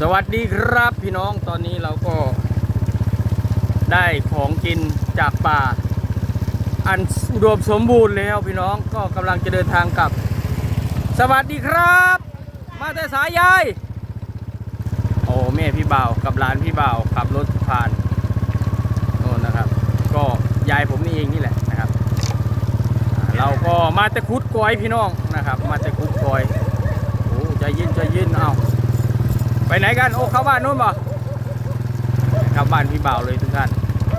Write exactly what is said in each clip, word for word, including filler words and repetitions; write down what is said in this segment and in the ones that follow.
วัสดีครับพี่น้องตอนนี้เราก็ได้ของกินจากป่าอันอุดมสมบูรณ์แล้วพี่น้องก็กำลังจะเดินทางกลับสวัสดีครับมาแต่สายยายโอ้แม่พี่บ่าวกับหลานพี่บ่าวขับรถผ่านโน่นนะครับก็ยายผมนี่เองนี่แหละนะครับเราก็มาแต่คุดกอยพี่น้องนะครับมาแต่คุดกอยโอ้ใจเย็นใจเย็นเอาไปไหนกันโอ้เข้าบ้านนู้นบ่เข้าบ้านพี่บ่าวเลยทุกท่าน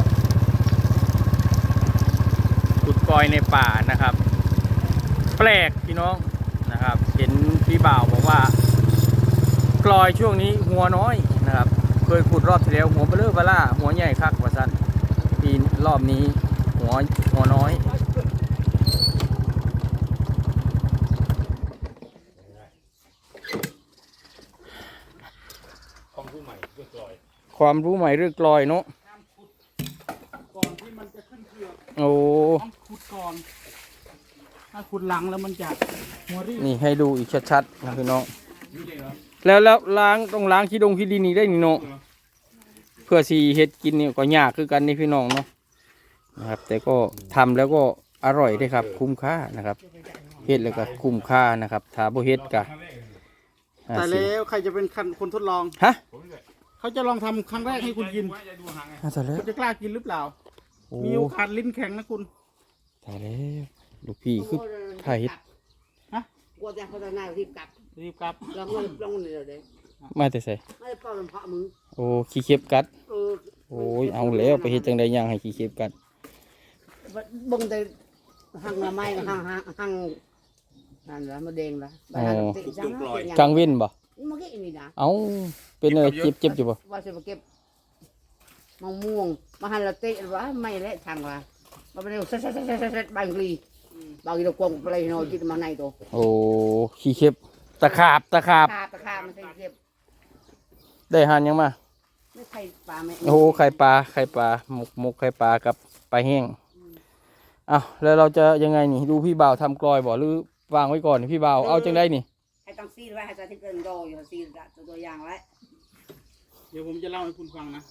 ขุดกอยในป่านะครับแปลกพี่น้องนะครับเห็นพี่บ่าวบอกว่ากลอยช่วงนี้หัวน้อยนะครับเคยขุดรอบที่แล้วหัวเบลอเบล่าหัวใหญ่คักกว่าสั้นปีรอบนี้หัวหัวน้อยความรู้ใหม่เรื่องกลอยเนาะก่อนที่มันจะขึ้นเครือโอ้ต้องขุดก่อนถ้าขุดหลังแล้วมันจะหัวรีบนี่ให้ดูอีกชัดๆนะพี่น้องแล้วแล้วล้างต้องล้างขี้ดงขี้ดินนี่ได้นี่เนาะเพื่อสีเห็ดกินนี่ก็ยากคือกันนี่พี่น้องเนาะนะครับแต่ก็ทำแล้วก็อร่อยได้ครับคุ้มค่านะครับเห็ดแล้วก็คุ้มค่านะครับถ้าบ่เห็ดกะแต่แล้วใครจะเป็นคนทดลองฮะเขาจะลองทำครั้งแรกให้คุณกินคุณจะกล้ากินหรือเปล่ามีโอกาสลิ้นแข็งนะคุณแต่แล้วลูกพี่คือถ่ายเห็ดฮะกลัวจะเขาจะนายรีบกลับรีบกลับลองเลยลองเลยเดี๋ยวมาแต่ใส่ไม่ได้เป่าลำเพาะมึงโอ้ขี้เข็บกัดโอ้ยเอาแล้วไปเฮ็ดจังได๋ย่างให้ขี้เข็บกัดบึงแต่หังละไม้หังหังหังนั่นละมาเด้งละไปหังติดจังกลางเว้นบ่มันก็อีนี่นะเอ้าเป็นอะไรเจ็บเจ็บอยู่บ่ว่าจะมาเก็บมะม่วงมาหันละเตะว่าไม่และทางว่ามาเป็นเซ็ตเซ็ตเซ็ตเซ็ตเซ็ตบางลีบางทีเราควงไปเลยนอนจิตมาในตัวโอ้ขี้เข็บตะขาบตะขาบตะขาบมันเก็บได้หันยังมาไม่ไข่ปลาไม่โอ้ไข่ปลาไข่ปลาหมกหมกไข่ปลากับปลาแห้งอ้าวแล้วเราจะยังไงนี่ดูพี่บ่าวทำกลอยบ่หรือวางไว้ก่อนพี่บ่าวเอาจังได้นี่ให้ต้องซีดไว้ให้จะที่เกินโดอยู่ซีดตัวอย่างไว้เดี๋ยวผมจะเล่าให้คุณฟังนะ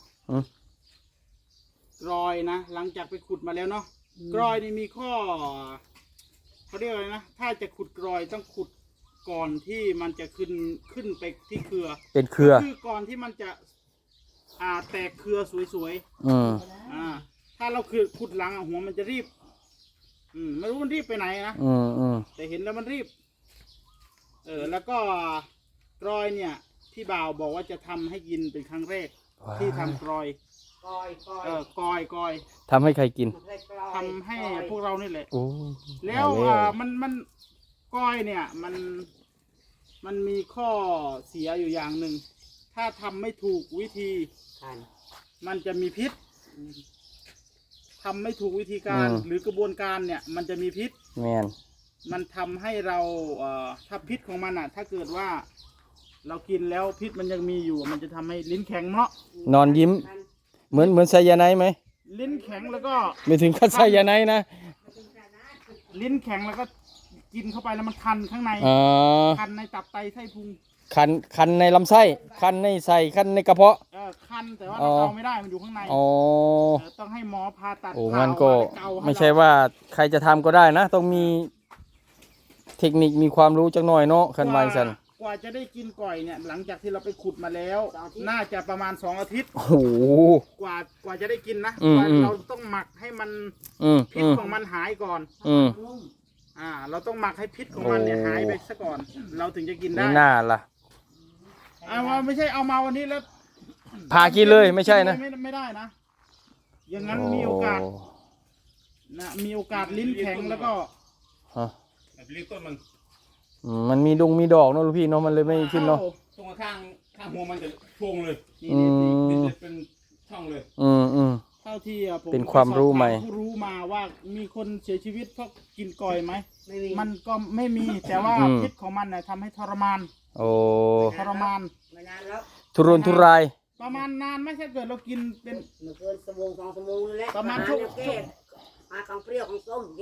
กรอยนะหลังจากไปขุดมาแล้วเนาะกรอยนี่มีข้อเขาเรียกอะไรนะถ้าจะขุดกรอยต้องขุดก่อนที่มันจะขึ้นขึ้นไปที่เครือเป็นเครือคือก่อนที่มันจะอ่าแตกเครือสวยๆอืมอ่าถ้าเราคือขุดหลังหัวมันจะรีบอืมไม่รู้มันรีบไปไหนนะอืมอืมแต่เห็นแล้วมันรีบเออแล้วก็กรอยเนี่ยพี่บ่าวบอกว่าจะทำให้กินเป็นครั้งแรกที่ทำกรอยกอยกอยเออกอยกอยทำให้ใครกินทำให้พวกเรานี่แหละโอ้แล้วอ่ามันมันกอยเนี่ยมันมันมีข้อเสียอยู่อย่างหนึ่งถ้าทำไม่ถูกวิธีมันจะมีพิษทำไม่ถูกวิธีการหรือกระบวนการเนี่ยมันจะมีพิษแม่นมันทำให้เราเอ่อถ้าพิษของมันอ่ะถ้าเกิดว่าเรากินแล้วพิษมันยังมีอยู่มันจะทำให้ลิ้นแข็งเนาะนอนยิ้มเหมือนเหมือนไซยาไนด์ไหมลิ้นแข็งแล้วก็ไม่ถึงขั้นไซยาไนด์นะลิ้นแข็งแล้วก็กินเข้าไปแล้วมันคันข้างในคันในตับไตไส้พุงคันคันในลำไส้คันในไส้คันในกระเพาะเออคันแต่ว่าเราเอาไม่ได้มันอยู่ข้างในอ๋อต้องให้หมอผ่าตัดโอ้มันก็ไม่ใช่ว่าใครจะทำก็ได้นะต้องมีเทคนิคมีความรู้จักหน่อยเนาะคันไวสันกว่าจะได้กินก่อยเนี่ยหลังจากที่เราไปขุดมาแล้วน่าจะประมาณสองอาทิตย์โอ้โหกว่ากว่าจะได้กินนะเราต้องหมักให้มันพิษของมันหายก่อนอืมอ่าเราต้องหมักให้พิษของมันเนี่ยหายไปซะก่อนเราถึงจะกินได้น่าล่ะอ่าว่าไม่ใช่เอามาวันนี้แล้วพากินเลยไม่ใช่นะไม่ไม่ได้นะอย่างนั้นมีโอกาสนะมีโอกาสลิ้นแข็งแล้วก็ฮะลิ้นต้นมันมันมีดงมีดอกเนาะลูกพี่เนาะมันเลยไม่ขึ้นเนาะตรงข้างข้างหัวมันจะโป่งเลยอืมเป็นช่องเลยอืมอืมเท่าที่ผมเป็นความรู้ใหม่รู้มาว่ามีคนเสียชีวิตเพราะกินก่อยไหมมันก็ไม่มีแต่ว่าพิษของมันเนี่ยทำให้ทรมานโอ้ทรมานทุรนทุรายประมาณนานไม่ใช่เกิดเรากินเป็นเกินสมองสองสมองเลยแหละประมาณชั่วมาของเปรี้ยวของส้มกิน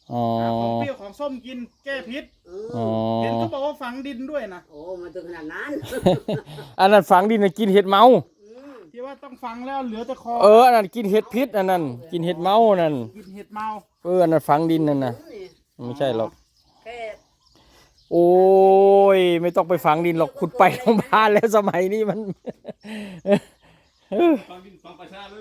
อ๋อหาของเปรี้ยวของส้มกินแก้พิษเออ๋ออเห็นเขาบอกว่าฝังดินด้วยนะโอ้มันถึงขนาดนั้นอันนั้นฝังดินน่ะกินเห็ดเมาอืมที่ว่าต้องฝังแล้วเหลือแต่คอเอออันนั้นกินเห็ดพิษอันนั้นกินเห็ดเมานั่นกินเห็ดเมาเอออันนั้นฝังดินนั่นน่ะนี่ไม่ใช่หรอกแค่โอ้ยไม่ต้องไปฝังดินหรอกขุดไปทั้งบ้านแล้วสมัยนี้มันฟังดินฟังประชาเลย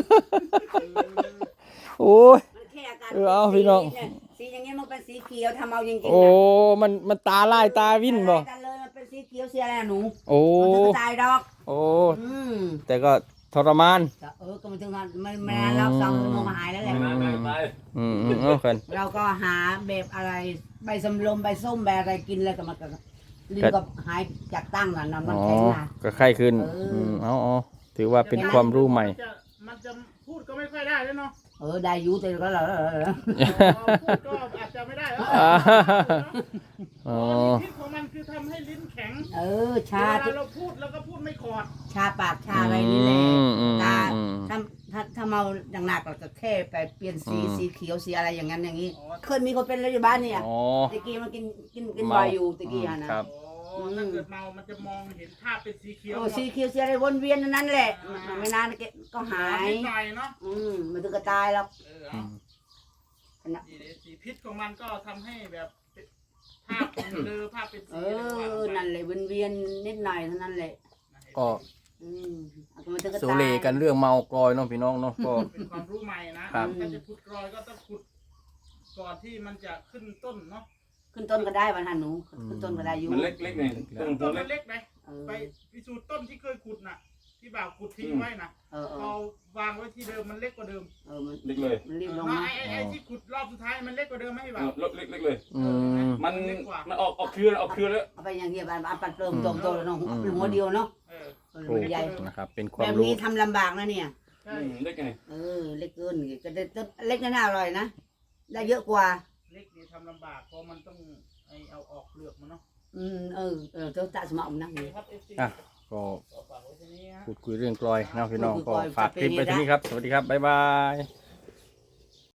โอ้ยมันแค่อาการเออเอาพี่น้องสีเยสีอย่างเงี้ยมันเป็นสีเขียวทำเอาจริงๆโอ้นะมันมันตาลายตาวิ่นบ่กันเลยมันเป็นสีเขียวสีอะไรนะหนูโอ้มันถึงตายดอกโอ้อืมแต่ก็ทรมานแต่เออก็มันถึงนานไม่ไม่นานแล้วสองชั่วโมงหายแล้วแหละไม่ไม่ไปอืมอืมเอากันเราก็หาแบบอะไรใบสำลมใบส้มใบอะไรกินแล้วก็มันก็ลืมก็หายจากตั้งแล้วนอนมันอ๋อแข็งนะก็ไข้ขึ้นเอออือืมเอาเอาถือว่าเป็นความรู้ใหม่นจะมันจะพูดก็ไม่ค่อยได้แล้วเนาะเออได้อยูแต่ก็แล้วพูดก็อาจจะไม่ได้แล้วอ่าอ๋อ๋ออพิษของมันคือทำให้ลิ้นแข็งเออเวชาลาที่เราพูดแล้วก็พูดไม่ขอดชาปากชาอะไรนี่แหละอืมอืมตาอืมถ้าถ้าถ้าเมาหนักๆเราก็แค่ไปเปลี่ยนสีอืมสีเขียวสีอะไรอย่างนั้นอย่างนี้อ๋อเคยมีคนเป็นแล้วอยู่บ้านเนี่ยอ๋อตะกี้มันกินกินกินเมาบ่อยอยู่ตะกี้อะนะครับโอ้ถ้าเกิดเมา มันจะมองเห็นภาพเป็นสีเขียวโอ้สีเขียวสีอะไรวนเวียนในนั้นแหละมันไม่นานก็หายนิดหน่อยเนาะอืมมันถึงก็ตายแล้วเออเอาสีสีพิษของมันก็ทำให้แบบภาพเป็นเบลอภาพเป็นเอสีอะไรก็ว่าอไปนั่นแหละวนเวียนนิดหน่อยเท่านั้นแหละก็อืมเอาก็มันถึงก็โซตายเลกันเรื่องเมากรอยเน้องพี่น้องเนาะก็เป็นความรู้ใหม่นะครับ ถ้าจะขุดกรอยก็ต้องขุดก่อนที่มันจะขึ้นต้นเนาะขึ้นต้นก็ได้วันหันหนูขึ้นต้นก็ได้อยู่มันเล็กเล็กไงต้นต้ตัวนมัเล็กนเล็กไหมเออไปพิสูจน์ต้นที่เคยขุดน่ะ ที่บ่าวขุดทิ้งไว้น่ะเออเอเราอวางไว้ที่เดิมมันเล็กกว่าเดิมเออมันเล็กเลยมันรีบลงเนาะนะไอ้ไอ้ไอ้ที่ขุดรอบสุดท้ายมันเล็กกว่าเดิมไหมพี่เอบ่าวอเล็กเล็กเลยอืมมันมันออกออกเครือออกเครือแล้วเอาไปอย่างเดียวบ้านบ้านปัดเติมตรงโตแล้วเนาะเป็นหัวเดียวเนาะเออเออโอ้มันใหญ่นะครับ เป็นคแบวามบรู้นี้ทำลำบากนะเนี่ยใช่เล็กไงเออเล็กเกินก็ได้ต้นเล็กน่าอร่อยนะได้เยอะกว่าเล็กนี่ทำลำบากเพราะมันต้องไอเอาออกเปลือกมันเนาะอืมเออเออเจ้าตาสมองนั่งโอเคนี่ครับเอฟซีอ่ะก็ฝากไว้ที่นี้ฮะพูดคุยเรื่องกลอยเนาะพี่น้องพูดคุยก็กลอยฝากคลิปฝากเพลงไปที่นี่ครับ สวัสดีครับ บ๊ายบาย